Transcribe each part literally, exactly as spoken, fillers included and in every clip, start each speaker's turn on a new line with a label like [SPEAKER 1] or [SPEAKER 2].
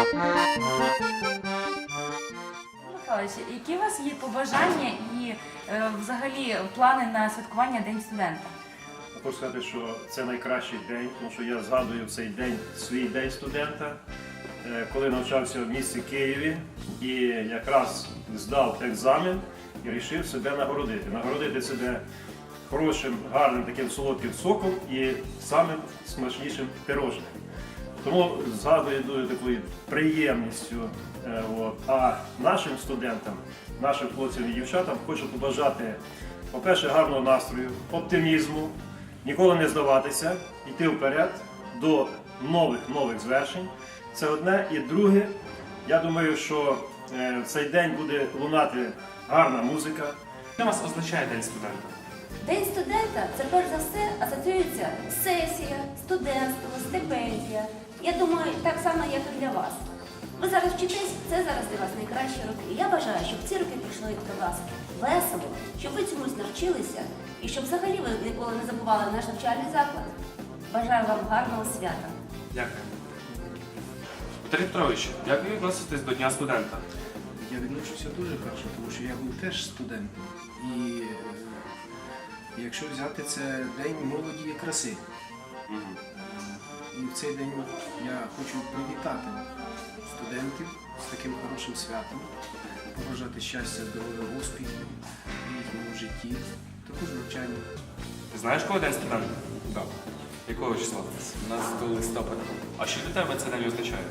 [SPEAKER 1] Михайлович, які у вас є побажання і е, взагалі плани на святкування День студента?
[SPEAKER 2] Хочу сказати, що це найкращий день, тому що я згадую в цей день свій день студента, е, коли навчався в місті Києві і якраз здав екзамен і вирішив себе нагородити. Нагородити себе хорошим, гарним таким солодким соком і самим смачнішим пирожним. Тому згадую дуже такою приємністю. Е, от. А нашим студентам, нашим хлопцям і дівчатам хочу побажати, по-перше, гарного настрою, оптимізму, ніколи не здаватися, йти вперед до нових-нових звершень. Це одне. І друге, я думаю, що е, в цей день буде лунати гарна музика.
[SPEAKER 3] Що у вас означає День студента?
[SPEAKER 4] День студента – це перш за все асоціюється сесія, студентство, стипендія. Я думаю, так само, як і для вас. Ви зараз вчитесь, це зараз для вас найкращі роки. І я бажаю, щоб ці роки пішли до вас весело, щоб ви чомусь навчилися і щоб взагалі ви ніколи не забували наш навчальний заклад. Бажаю вам гарного свята.
[SPEAKER 3] Дякую. Віталій Петрович, як ви відноситесь до Дня студента?
[SPEAKER 5] Я відношуся дуже хорошо, тому що я був теж студентом. І е, якщо взяти, це день молоді і краси.
[SPEAKER 3] Угу.
[SPEAKER 5] І в цей день я хочу привітати студентів з таким хорошим святом, побажати щастя, здоров'я, успіхів в їхньому житті, також навчанні.
[SPEAKER 3] Ти знаєш, коли День студента?
[SPEAKER 6] Так,
[SPEAKER 3] Якого числа?
[SPEAKER 6] шістнадцятого листопада.
[SPEAKER 3] А що для тебе це день означає?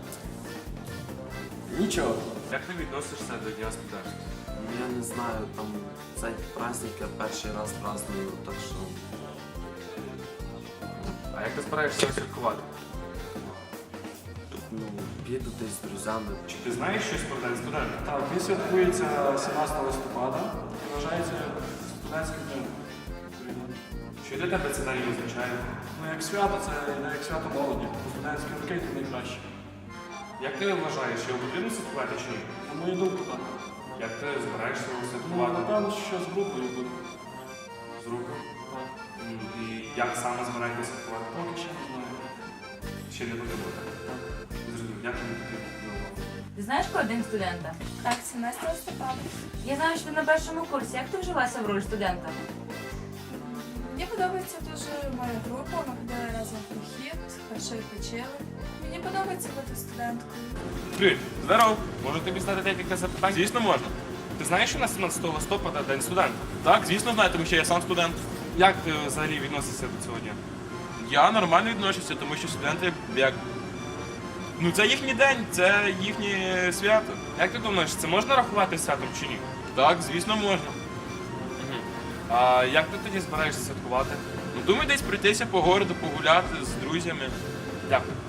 [SPEAKER 6] Нічого.
[SPEAKER 3] Як ти відносишся до Дня студента?
[SPEAKER 7] Я не знаю, там цей праздник я перший раз праздную, так що
[SPEAKER 3] А як ти збираєшся його святкувати?
[SPEAKER 7] ну, піду десь з друзями.
[SPEAKER 3] Чи ти знаєш щось про День студента?
[SPEAKER 8] Так, він святкується сімнадцятого листопада і вважається студентським днем.
[SPEAKER 3] Що для тебе це день означає?
[SPEAKER 8] Ну, як свято, це йде як свято молоді. Студентські роки це найкраще.
[SPEAKER 3] Як ти вважаєш, його потрібно святкувати чи ні?
[SPEAKER 8] На мою думку, так.
[SPEAKER 3] Як ти збираєшся його
[SPEAKER 8] Ну,
[SPEAKER 3] святкувати?
[SPEAKER 8] напевно, що з групою буде.
[SPEAKER 3] З руку?
[SPEAKER 8] Так.
[SPEAKER 3] М, І як саме збираєтеся святкувати?
[SPEAKER 8] Поки ще не знаю.
[SPEAKER 3] Ще не потрібно. Зрозумів, дякую тобі.
[SPEAKER 1] Ти знаєш, коли День студента?
[SPEAKER 9] Так, сімнадцятого листопада.
[SPEAKER 1] Я знаю, що ти на першому курсі. Як ти вжилася в роль студента?
[SPEAKER 9] Мені подобається дуже моя група, ми ходили разом в похід, хорошо відпочили. Мені подобається бути студенткою.
[SPEAKER 3] Привіт, здоров. Можу тобі задати декілька запитань? Звісно, можна. Ти знаєш, що на сімнадцятого листопада День студента?
[SPEAKER 10] Так, звісно, знаю, тому що я сам студент.
[SPEAKER 3] Як ти взагалі відносишся до цього дня?
[SPEAKER 10] Я нормально відношуся, тому що студенти як. Ну, це їхній день, це їхнє свято.
[SPEAKER 3] Як ти думаєш, це можна рахувати святом чи ні?
[SPEAKER 10] Так, звісно, можна.
[SPEAKER 3] А як ти тоді збираєшся святкувати?
[SPEAKER 10] Ну, думаю, десь пройтися по городу, погуляти з друзями.
[SPEAKER 3] Дякую.